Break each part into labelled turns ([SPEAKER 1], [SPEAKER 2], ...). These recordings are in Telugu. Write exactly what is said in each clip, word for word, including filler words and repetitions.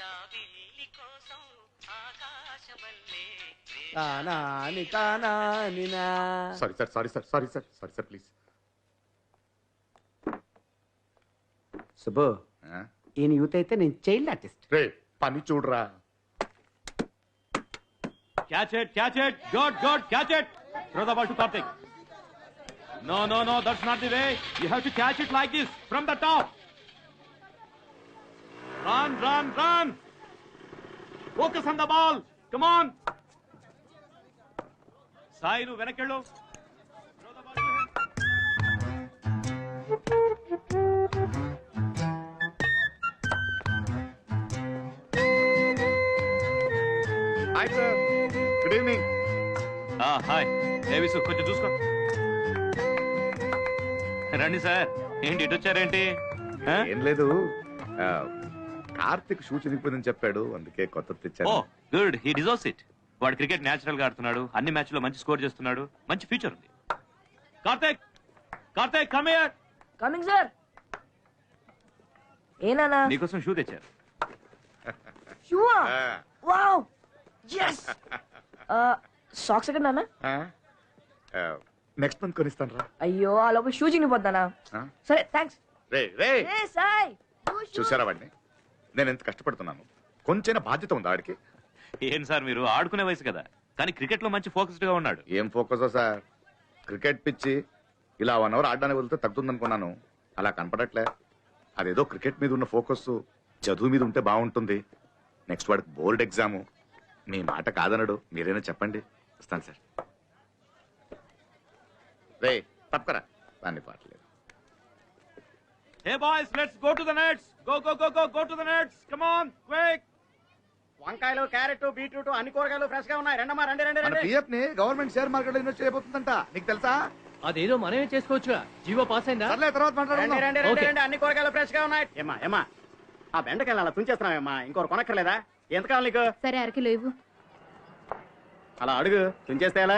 [SPEAKER 1] Sorry sir sorry sir sorry sir sorry sir please.
[SPEAKER 2] Subbu, ఈయన యూత్ అయితే నేను చైల్డ్ ఆర్టిస్ట్.
[SPEAKER 1] రే పని చూడరా.
[SPEAKER 3] Catch it, catch it, good, good, catch it. Throw the ball to Karthik. No, no, no, that's not the way. You have to catch it like this, from the top. Run, run, run. Focus on the ball. Come on. Sai, nu venakkello. Throw the ball to him.
[SPEAKER 1] Hi sir. Good evening.
[SPEAKER 3] Ah, hi. దేవిసు కొంచెం చూసుకో. రండి సార్. ఏంటి ఇటు వచ్చారేంటి?
[SPEAKER 1] ఏం లేదు, కార్తిక్ షూ చినిగిపోయిందని చెప్పాడు, అందుకే కొత్త తెచ్చాను.
[SPEAKER 3] Oh good, he deserves it. వాడు క్రికెట్ న్యాచురల్ గా ఆడుతున్నాడు, అన్ని మ్యాచ్ లో మంచి స్కోర్ చేస్తున్నాడు, మంచి ఫ్యూచర్ ఉంది. Karthik, Karthik come here.
[SPEAKER 4] Coming sir. ఏనానా
[SPEAKER 3] నీకోసం షూ తెచ్చారు.
[SPEAKER 4] షూ? Wow, yes. సాక్స్ ఎక్కడ నాన్న?
[SPEAKER 1] నెక్స్ట్ మంత్ కొనిస్తాను రా.
[SPEAKER 4] అయ్యో, ఆ లోపల షూ చినిగిపోతానా? సరే థ్యాంక్స్.
[SPEAKER 1] రే రే
[SPEAKER 4] ఏ సాయ్,
[SPEAKER 1] చూసారా వాడిని? నేను ఎంత కష్టపడుతున్నాను, కొంచెం బాధ్యత ఉందా వాడికి?
[SPEAKER 3] ఏం సార్ మీరు, ఆడుకునే వయసు కదా, కానీ క్రికెట్ లో మంచి ఫోకస్డ్ గా ఉన్నాడు.
[SPEAKER 1] ఏం ఫోకస్ సార్, క్రికెట్ పిచ్చి ఇలా వన్ అవర్ ఆడడానికి వెళ్తే తగ్గుతుందనుకున్నాను, అలా కనపడట్లే. అదేదో క్రికెట్ మీద ఉన్న ఫోకస్ చదువు మీద ఉంటే బాగుంటుంది. నెక్స్ట్ వాడికి బోర్డ్ ఎగ్జాము. మీ మాట కాదనడు, మీరైనా చెప్పండి. వస్తాను సార్. రే తప్పకరా, దాన్ని పాటలేదు.
[SPEAKER 3] Hey boys, let's go to the nets. Go, go, go, go, go to the nets. Come on, quick.
[SPEAKER 2] వంకాయలు, క్యారెట్, బీట్రూట్ అన్ని కూరగాయలు ఫ్రెష్ గా ఉన్నాయి. రెండమ్మా, రండి రండి రండి.
[SPEAKER 1] పిఎఫ్ ని గవర్నమెంట్ షేర్ మార్కెట్ లో ఇన్వెస్ట్ చేయబోతుందంట, నీకు తెలుసా?
[SPEAKER 5] అదేదో మనమే చేసుకోవచ్చుగా, జీవో పాస్ అయిందా?
[SPEAKER 1] సర్లే, తర్వాత
[SPEAKER 2] రండి
[SPEAKER 1] మాట్లాడుకుందాం.
[SPEAKER 2] రండి రండి రండి, అన్ని కూరగాయలు ఫ్రెష్ గా ఉన్నాయి. ఏమా ఏమా ఆ బెండకాయలు అలా తుంచేస్తున్నావేమ్మా, ఇంకోరు కొనక్కర్లేదా? ఎంత కావాలి నీకు?
[SPEAKER 6] సరే, అరకిలో ఇవ్వు.
[SPEAKER 2] అలా అడుగు, తుంచేస్తే ఎలా?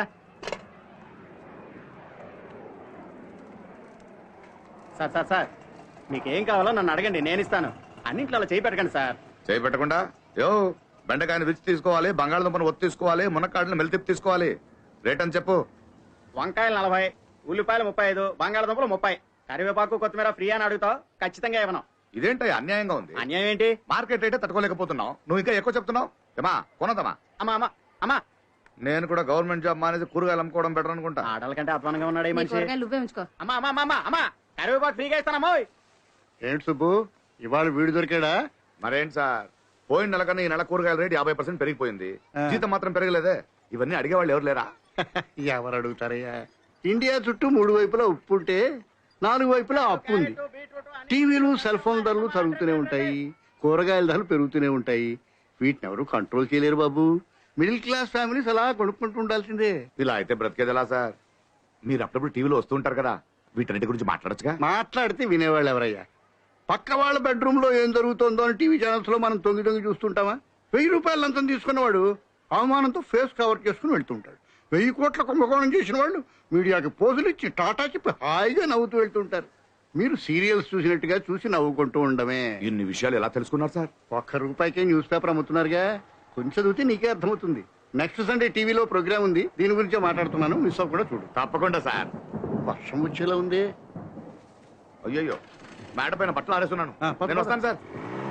[SPEAKER 2] సార్ సార్ సార్, మీకేం కావాలో నన్ను అడగండి, నేను ఇస్తాను. అన్నింట్లో అలా చేయి పెట్టకండి సార్.
[SPEAKER 1] చేయి పెట్టకుండా యో, బెండకాయని రుచి తీసుకోవాలి, బంగాళదుంపను ఒత్తి తీసుకోవాలి, మునక్కాడలను మెలితిప్పి తీసుకోవాలి. రేట్ అని చెప్పు.
[SPEAKER 2] వంకాయలు నలభై, ఉల్లిపాయలు ముప్పై ఐదు, బంగాళదుంపలు ముప్పై, కరివేపాకు కొత్తిమీర ఫ్రీ అని అడుగుతావు, ఖచ్చితంగా ఇవ్వను.
[SPEAKER 1] ఇదేంటి అన్యాయంగా ఉంది?
[SPEAKER 2] అన్యాయం ఏంటి?
[SPEAKER 1] మార్కెట్ రేటే తట్టుకోలేకపోతున్నావు, నువ్వు ఇంకా ఎక్కువ చెప్తున్నావు. ఏమా కొనదమ్మా?
[SPEAKER 2] అమ్మా అమ్మా అమ్మా,
[SPEAKER 1] నేను కూడా గవర్నమెంట్ జాబ్ మానేసి కూరగాయలు అమ్ముకోవడం బెటర్ అనుకుంటా.
[SPEAKER 2] ఆటల కంటే అధ్వానంగా ఉన్నాడు ఈ
[SPEAKER 6] నీ
[SPEAKER 2] మనిషి.
[SPEAKER 6] కూరగాయలు నువ్వే ఉంచుకో.
[SPEAKER 2] అమ్మా అమ్మా అమ్మా అమ్మా, కరివేపాకు ఫ్రీగా ఇస్తానమ్మా.
[SPEAKER 7] ఏంటి సుబ్బు, ఇవాళ వీడు దొరికాడా?
[SPEAKER 1] మరేంటి సార్, పోయిన నెల కన్నా ఈ నెల కూరగాయల రేటు యాభై పర్సెంట్ పెరిగిపోయింది, జీతం మాత్రం పెరగలేదే. ఇవన్నీ అడిగేవాళ్ళు ఎవరు లేరా?
[SPEAKER 7] ఎవరు అడుగుతారయ్యా? ఇండియా చుట్టూ మూడు వైపులా ఉప్పు ఉంటే నాలుగు వైపులా అప్పు ఉంది. టీవీలు, సెల్ ఫోన్ ధరలు తరుగుతూనే ఉంటాయి, కూరగాయల ధరలు పెరుగుతూనే ఉంటాయి. వీటిని ఎవరు కంట్రోల్ చేయలేరు బాబు. మిడిల్ క్లాస్ ఫ్యామిలీస్ అలా కొనుక్కుంటూ ఉండాల్సిందే.
[SPEAKER 1] ఇలా అయితే బ్రతికేది ఎలా సార్? మీరు అప్పుడప్పుడు టీవీలో వస్తూ ఉంటారు కదా, వీటన్నిటి గురించి మాట్లాడచ్చుగా.
[SPEAKER 7] మాట్లాడితే వినేవాళ్ళు ఎవరయ్యా? పక్క వాళ్ళ బెడ్రూమ్ లో ఏం జరుగుతుందో అని టీవీ ఛానల్స్ లో మనం తొంగి తొంగి చూస్తుంటామా? వెయ్యి రూపాయలు లంచం తీసుకున్నవాడు అవమానంతో ఫేస్ కవర్ చేసుకుని వెళ్తుంటాడు. వెయ్యి కోట్ల కుంభకోణం చేసిన వాళ్ళు మీడియాకి పోజులు ఇచ్చి టాటా చెప్పి హాయిగా నవ్వుతూ వెళ్తుంటారు. మీరు సీరియల్స్ చూసినట్టుగా చూసి నవ్వుకుంటూ ఉండమే.
[SPEAKER 1] ఇన్ని విషయాలు ఎలా తెలుసుకున్నారు సార్?
[SPEAKER 7] ఒక్క రూపాయికే న్యూస్ పేపర్ అమ్ముతున్నారుగా, కొంచెం చదివితే నీకే అర్థమవుతుంది. నెక్స్ట్ సండే టీవీలో ప్రోగ్రామ్ ఉంది, దీని గురించే మాట్లాడుతున్నాను, మిస్ అవ్వకుండా చూడు.
[SPEAKER 1] తప్పకుండా సార్.
[SPEAKER 7] వర్షం వచ్చేలా ఉంది.
[SPEAKER 1] అయ్యయ్యో, మేడ పైన బట్టలు ఆడేస్తున్నాను, నేను వస్తాను సార్.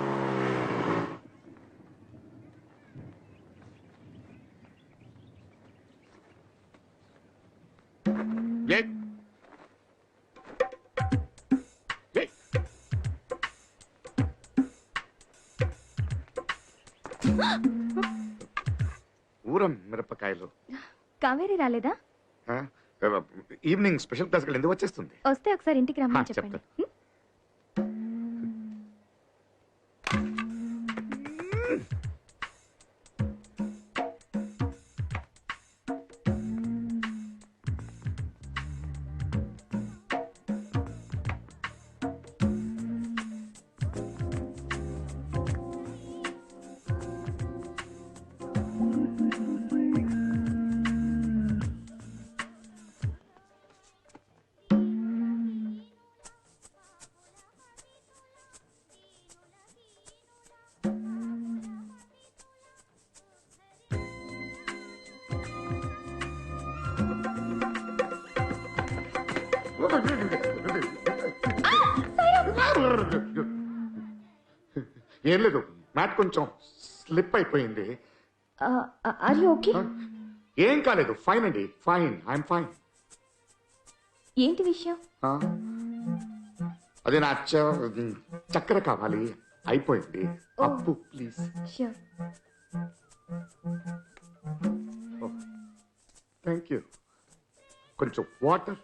[SPEAKER 1] ఊరం మిరపకాయలు.
[SPEAKER 6] కావేరి రాలేదా?
[SPEAKER 1] ఈవినింగ్ స్పెషల్ క్లాస్ ఎందుకు వచ్చేస్తుంది?
[SPEAKER 6] వస్తే ఒకసారి ఇంటికి రమ్మని చెప్పండి.
[SPEAKER 1] ఏం లేదు మ్యాట్ కొంచెం స్లిప్ అయిపోయింది.
[SPEAKER 6] Are you okay?
[SPEAKER 1] ఏం కాలేదు, ఫైన్ అండి, ఫైన్, ఐఎమ్ ఫైన్.
[SPEAKER 6] ఏంటి విషయం?
[SPEAKER 1] అదే నా చ- చక్కెర కావాలి, అయిపోయింది. అప్పు ప్లీజ్.
[SPEAKER 6] ష్యూర్.
[SPEAKER 1] Thank you. కొంచెం వాటర్.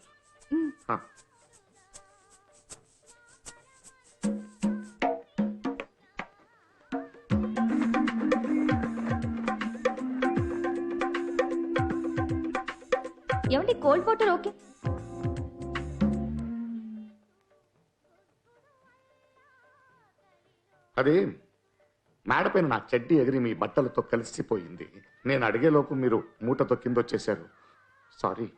[SPEAKER 6] ఏమండి కోల్డ్ వాటర్ ఓకే?
[SPEAKER 1] అదే మేడపైన నా చెడ్డీ ఎగిరి మీ బట్టలతో కలిసిపోయింది. నేను అడిగేలోపు మీరు మూటతో కింద వచ్చేశారు. Sorry.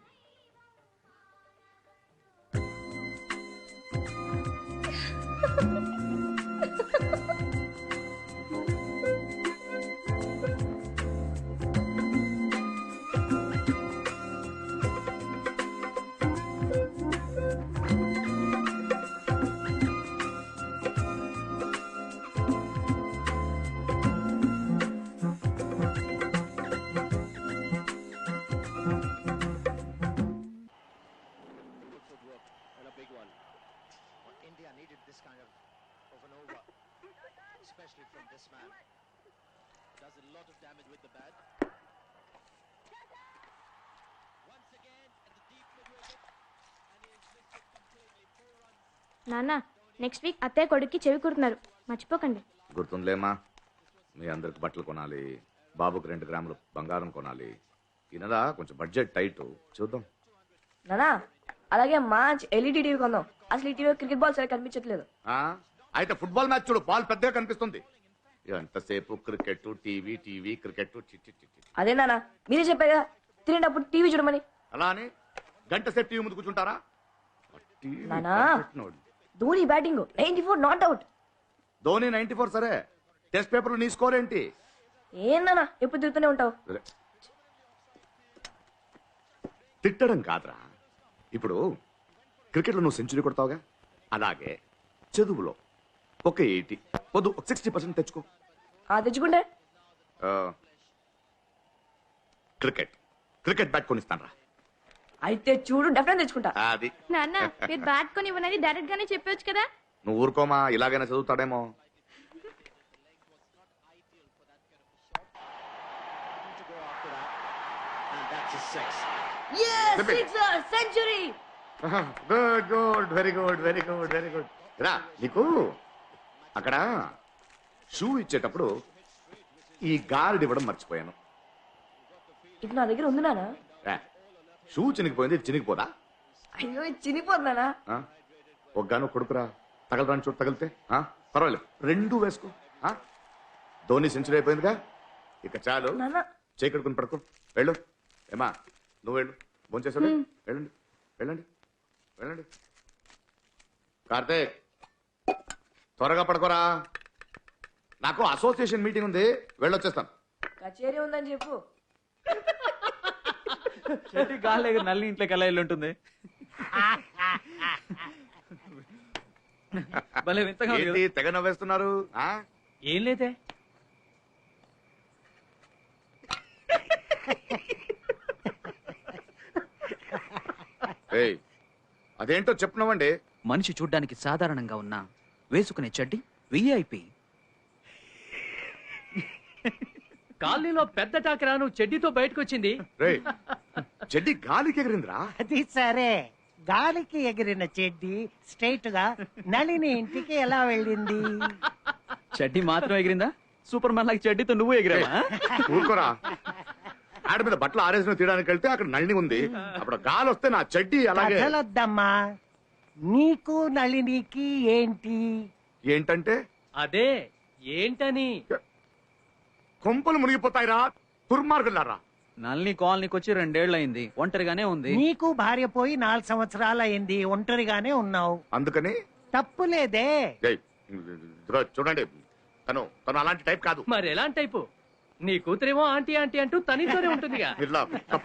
[SPEAKER 8] India needed this kind of, of an over, especially from this man. Does a lot of damage with the bat. Once again at the deep mid wicket, and he is missed it completely. Four runs.
[SPEAKER 6] నాన్న నెక్స్ట్ వీక్ అత్తయ్య కొడుక్కి చెవి కుడుతున్నారు, మర్చిపోకండి.
[SPEAKER 1] గుర్తుందిలేమా, మీ అందరికి బట్టలు కొనాలి, బాబుకి రెండు గ్రాములు బంగారం కొనాలి. ఈనదా కొంచెం బడ్జెట్ టైట్, చూద్దాం.
[SPEAKER 4] నానా అలాగే మంచి ఎల్ఈడి టీవీ కొందాం. అసలు ఈ టీవీలో క్రికెట్ బాల్ సరిగ్గా కనిపించట్లేదు.
[SPEAKER 1] ఆ అయితే ఫుట్బాల్ మ్యాచ్ చూడు, బాల్ పెద్దగా కనిపిస్తుంది. ఎంతసేపు క్రికెట్, టీవీ, టీవీ, క్రికెట్.
[SPEAKER 4] అదే నానా మీరే చెప్పారు కదా తినేటప్పుడు టీవీ చూడమని.
[SPEAKER 1] అలా అని గంట సేపు టీవీ ముందు కూర్చుంటారా?
[SPEAKER 4] నానా Dhoni batting ninety four not out.
[SPEAKER 1] Dhoni ninety four సరే, టెస్ట్ పేపర్ నీ స్కోర్ ఏంటి?
[SPEAKER 4] ఏం నానా ఎప్పుడు తిరుగుతూనే ఉంటావు.
[SPEAKER 1] తిట్టడం కాదురా, ఇప్పుడు క్రికెట్లో నువ్వు సెంచరీ కొడతావుగా, అలాగే చదువులో ఒక ఎయిటీ వద్దు ఒక సిక్స్టీ పర్సెంట్ తెచ్చుకో.
[SPEAKER 4] ఆ తెచ్చుకుంటే
[SPEAKER 1] క్రికెట్ క్రికెట్ బ్యాట్ కొనిస్తాను రా.
[SPEAKER 4] అయితే చూడు డెఫినెట్ తెచ్చుకుంటా.
[SPEAKER 1] అది
[SPEAKER 6] నాన్న మీరు బ్యాట్ కొని ఇవ్వనని డైరెక్ట్ గానే చెప్పొచ్చు కదా.
[SPEAKER 1] నువ్వు ఊరుకోమా, ఇలాగైనా చదువుతాడేమో.
[SPEAKER 8] To go after that, and that's a six.
[SPEAKER 4] yes sixer century.
[SPEAKER 1] Good good very good very good very good. రా, నీకు అక్కడ షూ ఇచ్చేటప్పుడు ఈ గార్డ్ ఇవ్వడం మర్చిపోయాను.
[SPEAKER 4] ఇది నా దగ్గర ఉంది నానా.
[SPEAKER 1] రా, షూ చినిగిపోయింది, ఇది చినిగిపోదా?
[SPEAKER 4] అయ్యో ఇది చినిపోతున్నానా.
[SPEAKER 1] ఆ? ఒగ్గాను కొడుకురా, తగలరాని చోటు తగిలితే ఆ? పర్వాలేదు, రెండు వేసుకో. ఆ? ధోని సెంచరీ అయిపోయిందిగా, ఇక చాలు.
[SPEAKER 4] నానా
[SPEAKER 1] చేకడుకుని పడుకో, వెళ్ళు. ఏమా నువ్వు వెళ్ళు, భోంచేసాడు. వెళ్ళండి వెళ్ళండి వెళ్ళండి. కార్తీక్ త్వరగా పడుకోరా, నాకు అసోసియేషన్ మీటింగ్ ఉంది, వెళ్ళొచ్చేస్తాను.
[SPEAKER 4] కచేరీ ఉందని చెప్పు.
[SPEAKER 3] చెట్టి గాలి ఎగిరి నల్లి ఇంట్లోకి ఎలా వెళ్ళి ఉంటుంది? భలే వింతగా ఉంది
[SPEAKER 1] ఏంటి
[SPEAKER 3] కదా?
[SPEAKER 1] తెగ నవ్వేస్తున్నారు? ఆ?
[SPEAKER 3] ఏం లేదే.
[SPEAKER 1] ఏయ్, అదేంటో చెప్పున్నావండి.
[SPEAKER 9] మనిషి చూడ్డానికి సాధారణంగా ఉన్నా వేసుకునే చెడ్డి విఐపి.
[SPEAKER 5] కాలనీలో పెద్ద టాకరాను చెడ్డీతో బయటకు వచ్చింది.
[SPEAKER 1] రేయ్, చెడ్డి గాలికి ఎగిరిందిరా.
[SPEAKER 10] అది సరే, గాలికి ఎగిరిన చెడ్డి స్ట్రైట్ గా నళిని ఇంటికి ఎలా వెళ్ళింది?
[SPEAKER 9] చెడ్డి మాత్రం ఎగిరిందా? సూపర్ మ్యాన్ లాగా చెడ్డీతో నువ్వు ఎగిరావా?
[SPEAKER 1] ఊరుకోరా, ఆడ మీద బట్టలు ఆరేసిన తీయడానికి వెళ్తే అక్కడ నళిని ఉంది, అప్పుడు గాలి వస్తే నా చెడ్డి అలాగే.
[SPEAKER 10] కథలొద్దమ్మా, నీకు నళినికి ఏంటి?
[SPEAKER 1] ఏంటంటే
[SPEAKER 5] అదే ఏంటని.
[SPEAKER 1] కొంపలు మునిగిపోతాయిరా దుర్మార్గులారా.
[SPEAKER 9] నల్ని కాలనీకి వచ్చి రెండేళ్లయింది, ఒంటరిగానే ఉంది.
[SPEAKER 10] నీకు భార్య పోయి నాలుగు సంవత్సరాలు అయింది, ఒంటరిగానే ఉన్నావు.
[SPEAKER 1] అందుకని
[SPEAKER 10] తప్పులేదే.
[SPEAKER 1] ఏయ్, ఇదిగో చూడండి, తను తను అలాంటి టైప్ కాదు.
[SPEAKER 5] మరి ఎలాంటి టైపు? నీ కూతురేమో ఆంటీ ఆంటీ అంటూ తనితోనే ఉంటుందిగా.
[SPEAKER 1] ఇలా